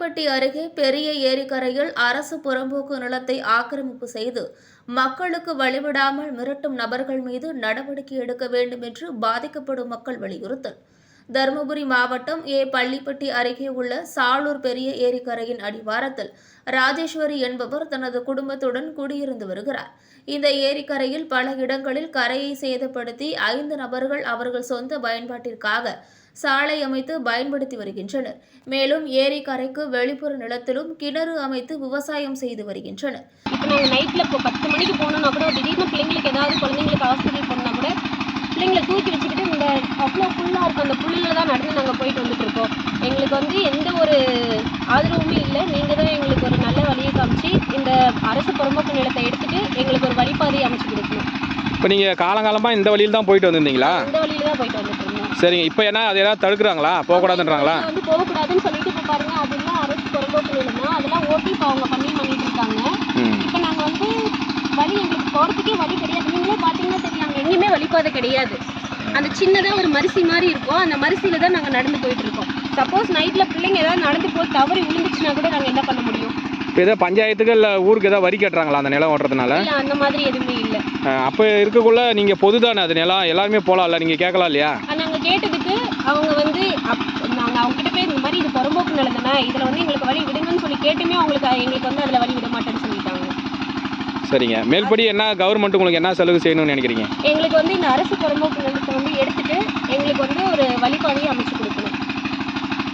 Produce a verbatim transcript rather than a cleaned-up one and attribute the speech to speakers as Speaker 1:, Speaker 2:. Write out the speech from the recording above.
Speaker 1: பள்ளிப்பட்டி அருகே பெரிய ஏரிக்கரையில் அரசு புறம்போக்கு நிலத்தை ஆக்கிரமிப்பு செய்து மக்களுக்கு வழிவிடாமல் மிரட்டும் நபர்கள் மீது நடவடிக்கை எடுக்க வேண்டும் என்று பாதிக்கப்படும் மக்கள் வலியுறுத்தல். தருமபுரி மாவட்டம் ஏ பள்ளிப்பட்டி அருகே உள்ள சாலூர் பெரிய ஏரிக்கரையின் அடிவாரத்தில் ராஜேஸ்வரி என்பவர் தனது குடும்பத்துடன் குடியிருந்து வருகிறார். இந்த ஏரிக்கரையில் பல இடங்களில் கரையை சேதப்படுத்தி ஐந்து நபர்கள் அவர்கள் சொந்த பயன்பாட்டிற்காக சாலை அமைத்து பயன்படுத்தி வருகின்றனர். மேலும் ஏரிக்கரைக்கு வெளிப்புற நிலத்திலும் கிணறு அமைத்து விவசாயம் செய்து வருகின்றனர்.
Speaker 2: இப்போ நாங்கள் நைட்டில் இப்போ பத்து மணிக்கு போனோம்னா கூட திடீர்னு பிள்ளைங்களுக்கு ஏதாவது குழந்தைங்களுக்கு ஹாஸ்பிட்டல் போனால் கூட பிள்ளைங்களை தூக்கி வச்சுக்கிட்டு இந்த அவ்வளோ ஃபுல்லாக இருக்கும் அந்த புல்லில் தான் நடந்து நாங்கள் போயிட்டு வந்துட்டு இருக்கோம். எங்களுக்கு வந்து எந்த ஒரு ஆதரவுமே இல்லை. நீங்கள் தான் எங்களுக்கு ஒரு நல்ல வழியை காமிச்சு இந்த அரசு புறம்போக்கு நிலத்தை எடுத்துட்டு எங்களுக்கு ஒரு வழிபாதையை அமைச்சு கொடுக்கணும்.
Speaker 3: இப்போ நீங்கள் காலங்காலமாக இந்த வழியில் தான் போயிட்டு வந்திருந்தீங்களா?
Speaker 2: இந்த வழியில் தான் போயிட்டு வந்துட்டு இருந்தோம்.
Speaker 3: சரிங்க. இப்போ என்ன அது ஏதாவது தடுக்கிறாங்களா? போகக்கூடாதுன்றாங்களா?
Speaker 2: வந்து போகக்கூடாதுன்னு சொல்லிட்டு இப்போ பாருங்க, அதெல்லாம் அரசு புறம்போக்கு நிலம் தான், அதெல்லாம் ஓட்டி இப்போ அவங்க பண்ணி பண்ணிட்டு இருக்காங்க. இப்போ நாங்கள் வந்து வழி எங்களுக்கு போகிறதுக்கே வழி கிடையாது. நீங்களே பார்த்தீங்கன்னா தெரியும், அங்கே எங்கேயுமே வழிபாதை கிடையாது. அந்த சின்னதாக ஒரு மரிசி மாதிரி இருக்கும், அந்த மரிசியில் தான் நாங்கள் நடந்து போயிட்டு இருக்கோம். சப்போஸ் நைட்டில் பிள்ளைங்க ஏதாவது நடந்து போய் தவறி விழுந்துச்சுன்னா கூட நாங்கள் என்ன பண்ண முடியும்?
Speaker 3: இப்போ ஏதோ பஞ்சாயத்துக்கு இல்லை ஊருக்கு ஏதாவது வரி கட்டுறாங்களா அந்த நிலம் ஓட்டுறதுனால?
Speaker 2: இல்லை, அந்த மாதிரி எதுவுமே இல்லை.
Speaker 3: அப்போ இருக்கக்குள்ள நீங்கள் பொது தானே அது நிலம், எல்லாருமே போகலாம்ல, நீங்கள் கேட்கலாம் இல்லையா?
Speaker 2: நாங்கள் கேட்டதுக்கு அவங்க வந்து அப் நாங்கள் அவங்ககிட்ட போய் இந்த மாதிரி இது புறம்போக்கு நிலம் தானே, இதில் வந்து எங்களுக்கு வழி விடுங்கன்னு சொல்லி கேட்டுமே அவங்களுக்கு எங்களுக்கு வந்து அதில் வழி விட மாட்டேன்னு சொல்லிட்டாங்க.
Speaker 3: சரிங்க. மேல்படி என்ன கவர்மெண்ட் உங்களுக்கு என்ன செலவு செய்யணும்னு நினைக்கிறீங்க?
Speaker 2: எங்களுக்கு வந்து இந்த அரசு புறம்போக்கு நிலத்தை வந்து எடுத்துட்டு எங்களுக்கு வந்து ஒரு வழிபாதையை அமைச்சு கொடுக்கணும்.